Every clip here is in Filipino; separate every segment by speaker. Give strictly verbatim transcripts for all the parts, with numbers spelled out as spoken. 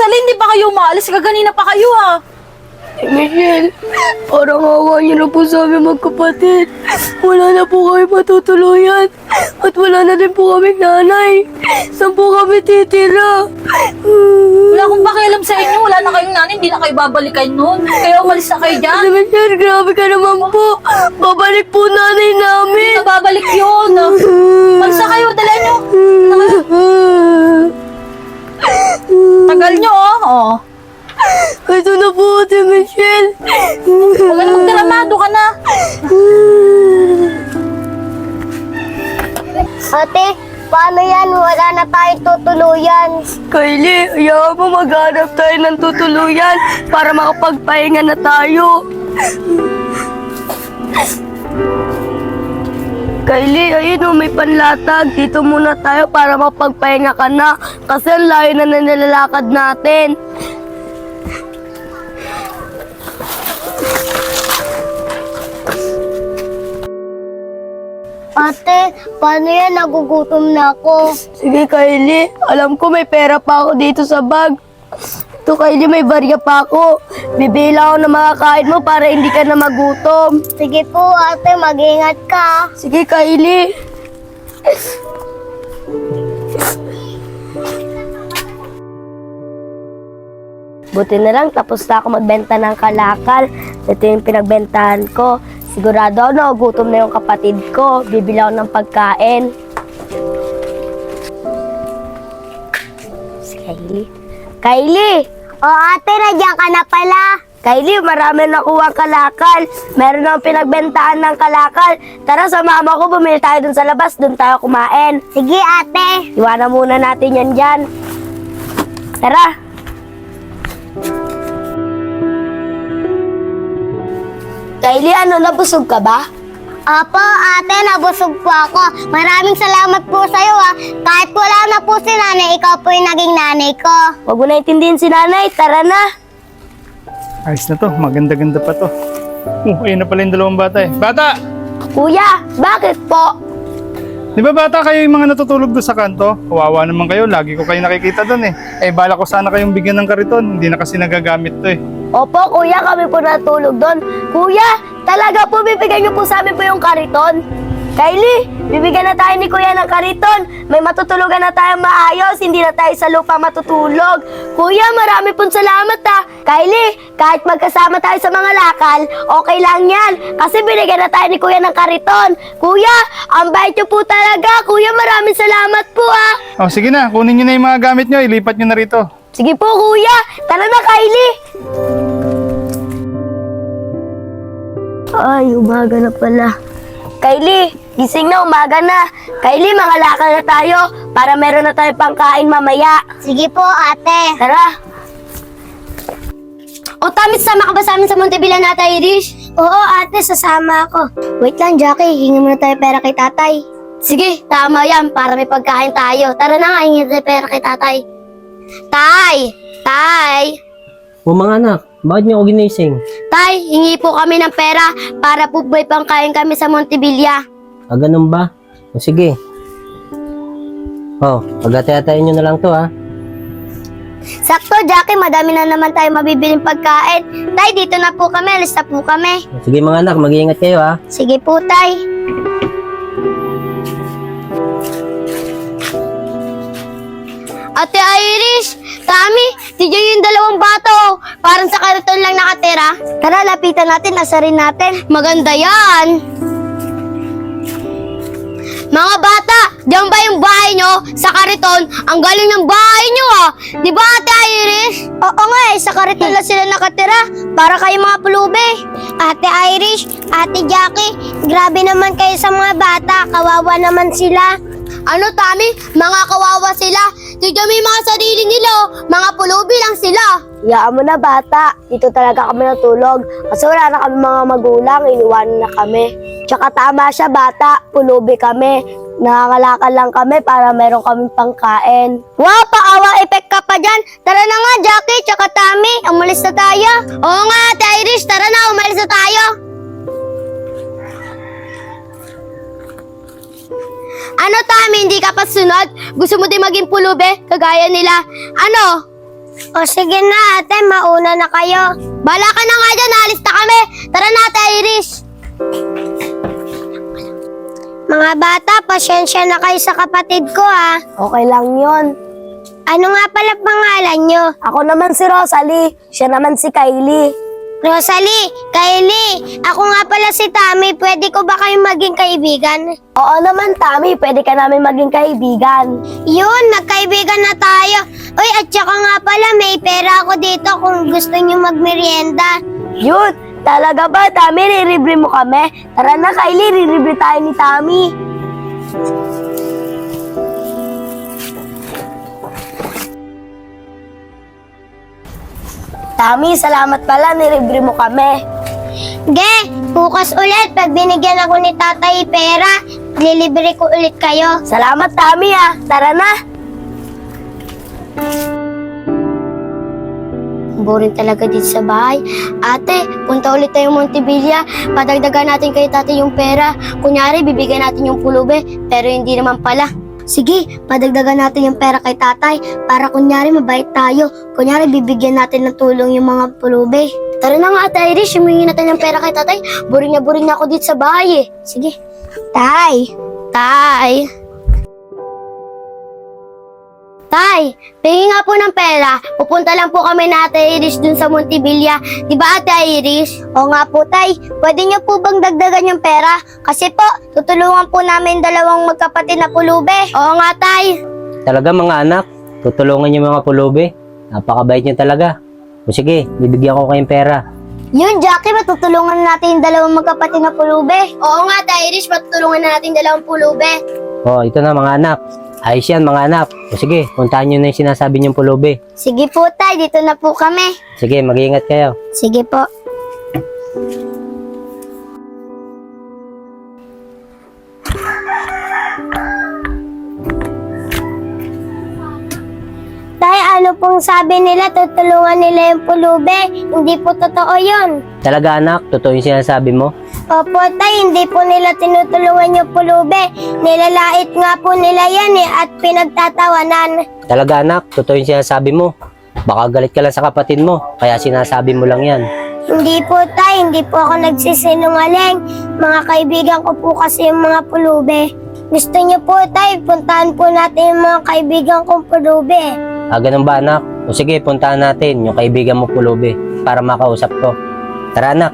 Speaker 1: Rosalie, hindi pa kayo umaalis? Kaganina pa kayo ha.
Speaker 2: Eh, Michelle, parang awa niyo na po sa amin magkapatid. Wala na po kami matutuluyan. At wala na din po kami nanay. Saan po kami titira?
Speaker 1: Wala akong pakialam sa inyo. Wala na kayong nanay. Hindi na kayo babalikan nun. Kaya umalis na kayo dyan.
Speaker 2: Ate Michelle, grabe ka naman po. Babalik po nanay namin.
Speaker 1: Hindi na babalik yun. Umalis na kayo. Dala nyo. Tagal nyo oh. oh.
Speaker 2: Ito na po, Ate Michelle.
Speaker 1: Huwag ka na magdramado ka na.
Speaker 3: Ate, paano yan? Wala na tayong tutuluyan.
Speaker 2: Kylie, ayaw mo maghanap tayo ng tutuluyan para makapagpahinga na tayo. Kylie, ayun o, may panlatag. Dito muna tayo para makapagpahinga ka na. Kasi ang layo na na nilalakad natin.
Speaker 3: Ate, paano yan? Nagugutom na ako.
Speaker 2: Sige, Kylie. Alam ko may pera pa ako dito sa bag. Ito, Kylie, may barya pa ako. Bibila ako ng mga kain mo para hindi ka na magutom.
Speaker 3: Sige po, ate. Mag-ingat ka.
Speaker 2: Sige, Kylie. Buti na lang, tapos na ako magbenta ng kalakal. Ito yung pinagbentahan ko. Sigurado ako na gutom na yung kapatid ko. Bibili ako ng pagkain. Si Kylie. Kylie!
Speaker 3: O ate, nandiyan ka na pala.
Speaker 2: Kylie, marami na nakuha ang kalakal. Meron akong pinagbentahan ng kalakal. Tara, sa mama ko, bumili tayo dun sa labas. Dun tayo kumain.
Speaker 3: Sige, ate.
Speaker 2: Iwanan muna natin yan dyan. Tara. Kylie, ano, nabusog ka ba?
Speaker 3: Opo, ate, nabusog po ako. Maraming salamat po sa'yo, ha. Kahit wala na po si nanay, ikaw po yung naging nanay ko.
Speaker 2: Huwag mo na intindihin si nanay. Tara na.
Speaker 4: Ayos na to, maganda-ganda pa to. Uh, ayun na pala yung dalawang bata eh. Bata!
Speaker 2: Kuya, bakit po?
Speaker 4: Di ba bata kayo yung mga natutulog doon sa kanto? Kawawa naman kayo, lagi ko kayo nakikita doon eh. Eh bala ko sana kayong bigyan ng kariton, hindi na kasi nagagamit to eh.
Speaker 2: Opo, kuya, kami po natulog doon. Kuya, talaga po bibigyan niyo po sa amin po yung kariton. Kylie, bibigyan na tayo ni kuya ng kariton. May matutulugan na tayong maayos, hindi na tayo sa lupa matutulog. Kuya, marami pong salamat ha. Kylie, kahit magkasama tayo sa mga lakal, okay lang yan. Kasi binigyan na tayo ni kuya ng kariton. Kuya, ang bait niyo po talaga. Kuya, maraming salamat po ha.
Speaker 4: Oh sige na, kunin nyo na yung mga gamit nyo, ilipat nyo na rito.
Speaker 2: Sige po, kuya. Tara na, Kylie. Ay, umaga na pala. Kylie, gising na, umaga na. Kylie, mga lakal na tayo para meron na tayo pangkain mamaya.
Speaker 3: Sige po, ate.
Speaker 2: Tara. O, Tamit, sama ka ba sa amin sa Montebilla na tayo, Irish?
Speaker 3: Oo, ate, sasama ako. Wait lang, Jackie. Hingi muna tayo pera kay tatay.
Speaker 2: Sige, tama yan para may pagkain tayo. Tara na nga, hingi tayo pera kay tatay. Tay! Tay!
Speaker 5: O mga anak, bakit niyo ako ginising?
Speaker 2: Tay, hingi po kami ng pera para po may pangkain kami sa Montebilla.
Speaker 5: Ah, ganun ba? O sige. O, pagkatayatayin niyo na lang to ha.
Speaker 3: Sakto, Jackie. Madami na naman tayo mabibiling pagkain. Tay, dito na po kami. Alis na po kami.
Speaker 5: O, sige mga anak, mag-iingat kayo ha.
Speaker 3: Sige po, tay.
Speaker 2: Ate Irish, Tami, di yung dalawang bata oh. Parang sa kariton lang nakatira.
Speaker 3: Tara, lapitan natin. Asarin natin.
Speaker 2: Maganda yan. Mga bata, diyan ba yung bahay nyo? Sa kariton, ang galing ng bahay nyo ah. Di ba Ate Irish?
Speaker 3: Oo nga eh. Sa kariton lang sila nakatira. Para kayo mga pulubi. Ate Irish, Ate Jackie, grabe naman kayo sa mga bata. Kawawa naman sila.
Speaker 2: Ano Tami? Mga kawawa sila. Tignan mo yung mga sarili nila oh. Mga pulubi lang sila.
Speaker 3: Iyaan mo na, bata. Dito talaga kami natulog. Kasi wala na kami mga magulang. Iniwanan na kami. Tsaka tama siya, bata. Pulubi kami. Nakakalakal lang kami para meron kaming pangkain.
Speaker 2: Wow, paawang effect ka pa dyan. Tara na nga, Jackie, tsaka Tami. Umalis na tayo. Oo nga, Ate Irish. Tara na, umalis na tayo. Ano, Tami, hindi ka pa sunod? Gusto mo din maging pulubi? Kagaya nila. Ano?
Speaker 3: O sige na ate, mauna na kayo. Bala ka na nga dyan, alis na kami. Tara na ate Iris. Mga bata, pasyensya na kayo sa kapatid ko ha.
Speaker 2: Okay lang yon.
Speaker 3: Ano nga pala pangalan nyo?
Speaker 2: Ako naman si Rosalie. Siya naman si Kylie.
Speaker 3: Rosalie, Kylie, ako nga pala si Tammy. Pwede ko ba kayong maging kaibigan?
Speaker 2: Oo naman, Tami. Pwede ka namin maging kaibigan.
Speaker 3: Yun, nagkaibigan na tayo. Uy, at saka nga pala, may pera ako dito kung gusto nyo magmerienda.
Speaker 2: Yun! Talaga ba, Tami? Riribre mo kami? Tara na, Kylie. Riribre tayo ni Tami. Tami, salamat pala. Niribre mo kami.
Speaker 3: Ge, bukas ulit, pag binigyan ako ni tatay pera, lilibre ko ulit kayo.
Speaker 2: Salamat, Tami, ah. Tara na.
Speaker 3: Boring talaga dito sa bahay. Ate, punta ulit tayo Montevilla. Padagdagan natin kay tatay yung pera. Kunyari, bibigyan natin yung pulube, pero hindi naman pala. Sige, padagdagan natin yung pera kay tatay para kunyari mabait tayo. Kunyari, bibigyan natin ng tulong yung mga pulube. Tara na nga ate Irish, humingi natin ng pera kay tatay. Boring na boring na ako dito sa bahay eh. Sige. Tay! Tay! Tay, tingin nga po ng pera. Pupunta lang po kami na Ate Iris dun sa Montevilla. Di ba Ate Iris? Oo nga po, Tay. Pwede niyo po bang dagdagan yung pera? Kasi po, tutulungan po namin dalawang magkapatid na pulube. Oo nga, Tay.
Speaker 5: Talaga mga anak, tutulungan niyo mga pulubi. Napakabait niyo talaga. O sige, bibigyan ko kayong pera.
Speaker 3: Yun, Jackie, matutulungan natin yung dalawang magkapatid na pulube. Oo nga, Ate Iris, matutulungan na natin dalawang pulube.
Speaker 5: O, ito na mga anak. Ayos yan mga anak. O sige, puntahan niyo na yung sinasabi niyong pulubi.
Speaker 3: Sige po, Tay. Dito na po kami.
Speaker 5: Sige, mag-iingat kayo.
Speaker 3: Sige po. Tay, ano pong sabi nila, tutulungan nila yung pulube? Hindi po totoo yun.
Speaker 5: Talaga anak, totoo yung sinasabi mo?
Speaker 3: Opo, Tay, hindi po nila tinutulungan yung pulube. Nilalait nga po nila yan eh, at pinagtatawanan.
Speaker 5: Talaga anak, totoo yung sinasabi mo. Baka galit ka lang sa kapatid mo, kaya sinasabi mo lang yan.
Speaker 3: Hindi po, Tay, hindi po ako nagsisinungaling. Mga kaibigan ko po kasi yung mga pulube. Gusto niyo po, Tay, puntahan po natin yung mga kaibigan kong pulube.
Speaker 5: Ah, ganun ba anak? O sige, puntahan natin yung kaibigan mo pulubi para makausap ko. Tara anak.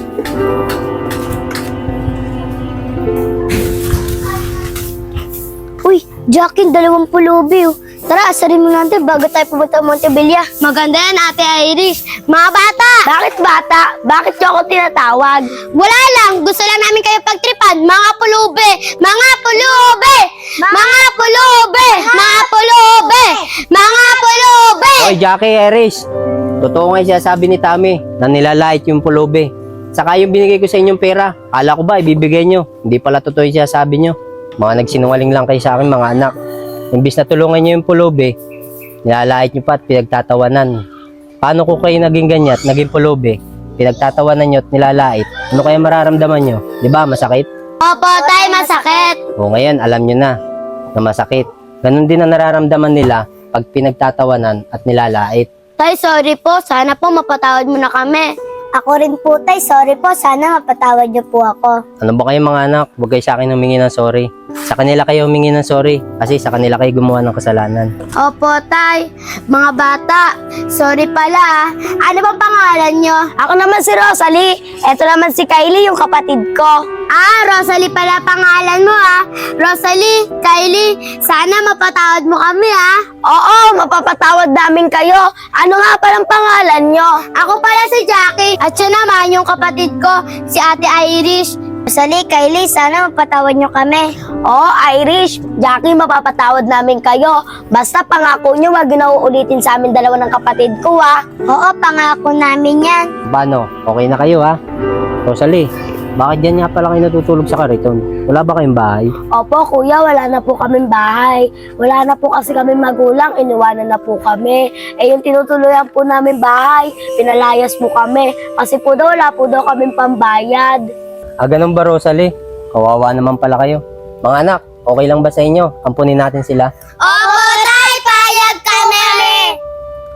Speaker 3: Uy, Jackie, dalawang pulubi oh. Tara, asarin mo natin bago tayo pumunta sa Montevilla. Maganda yan, Ate Iris. Mga bata!
Speaker 2: Bakit bata? Bakit niyo ako tinatawag?
Speaker 3: Wala lang, gusto lang namin kayo pagtripan. Mga pulube! Mga pulube! Mga pulube! Mga pulube! Mga pulube!
Speaker 5: Oy, Jackie, Eris. Totoo nga yung sinasabi ni Tami na nilalait yung pulubi. Saka yung binigay ko sa inyong pera, kala ko ba ibibigay nyo? Hindi pala totoo yung sinasabi nyo. Mga nagsinungaling lang kayo sa akin mga anak. Imbis na tulungan nyo yung pulubi, nilalait nyo pa at pinagtatawanan. Paano ko kayo naging ganyan at naging pulubi? Pinagtatawanan nyo at nilalait. Ano kaya mararamdaman nyo? Di ba masakit?
Speaker 3: Opo, Tay, masakit.
Speaker 5: O ngayon, alam nyo na na masakit. Ganon din ang nararamdaman nila pag pinagtatawanan at nilalait.
Speaker 3: Tay, sorry po. Sana po mapatawad mo na kami. Ako rin po, Tay. Sorry po. Sana mapatawad niyo po ako.
Speaker 5: Ano ba kayo mga anak? Huwag kayo sa akin humingi ng sorry. Sa kanila kayo humingi ng sorry kasi sa kanila kayo gumawa ng kasalanan.
Speaker 3: Opo, Tay. Mga bata, sorry pala. ah. Ano bang pangalan niyo?
Speaker 2: Ako naman si Rosalie. Eto naman si Kylie, yung kapatid ko.
Speaker 3: Ah, Rosalie pala pangalan mo ah. Rosalie, Kylie, sana mapatawad mo kami ah.
Speaker 2: Oo, mapapatawad namin kayo. Ano nga palang pangalan nyo?
Speaker 3: Ako pala si Jackie at siya naman yung kapatid ko, si Ate Irish. Rosalie, Kylie, sana mapatawad niyo kami.
Speaker 2: Oo, Irish. Jackie, mapapatawad namin kayo. Basta pangako nyo, wag na uulitin sa amin dalawa ng kapatid ko, ha?
Speaker 3: Oo, pangako namin yan.
Speaker 5: Paano? Okay na kayo ha? Rosalie, bakit dyan nga pala kayo natutulog sa kariton? Wala ba kayong bahay?
Speaker 2: Opo, kuya, wala na po kaming bahay. Wala na po kasi kami magulang, iniwanan na po kami. Eh, yung tinutuluyan po namin bahay, pinalayas po kami. Kasi po daw, wala po daw kaming pambayad.
Speaker 5: Ah, ganun ba Rosalie? Kawawa naman pala kayo. Mga anak, okay lang ba sa inyo? Ampunin natin sila.
Speaker 3: Opo, Tay, payag kami.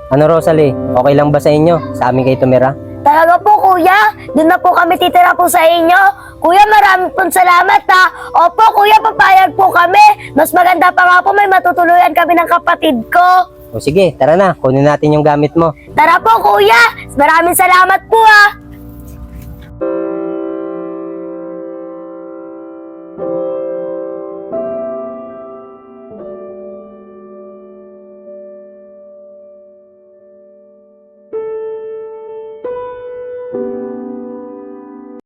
Speaker 5: Ano Rosalie, okay lang ba sa inyo? Sa amin kayo tumira?
Speaker 2: Talaga po kuya, doon na po kami titira po sa inyo. Kuya, marami pong salamat ha. Opo kuya, papayag po kami. Mas maganda pa nga po, may matutuluyan kami ng kapatid ko.
Speaker 5: O sige, tara na, kunin natin yung gamit mo.
Speaker 2: Tara po kuya, maraming salamat po ha.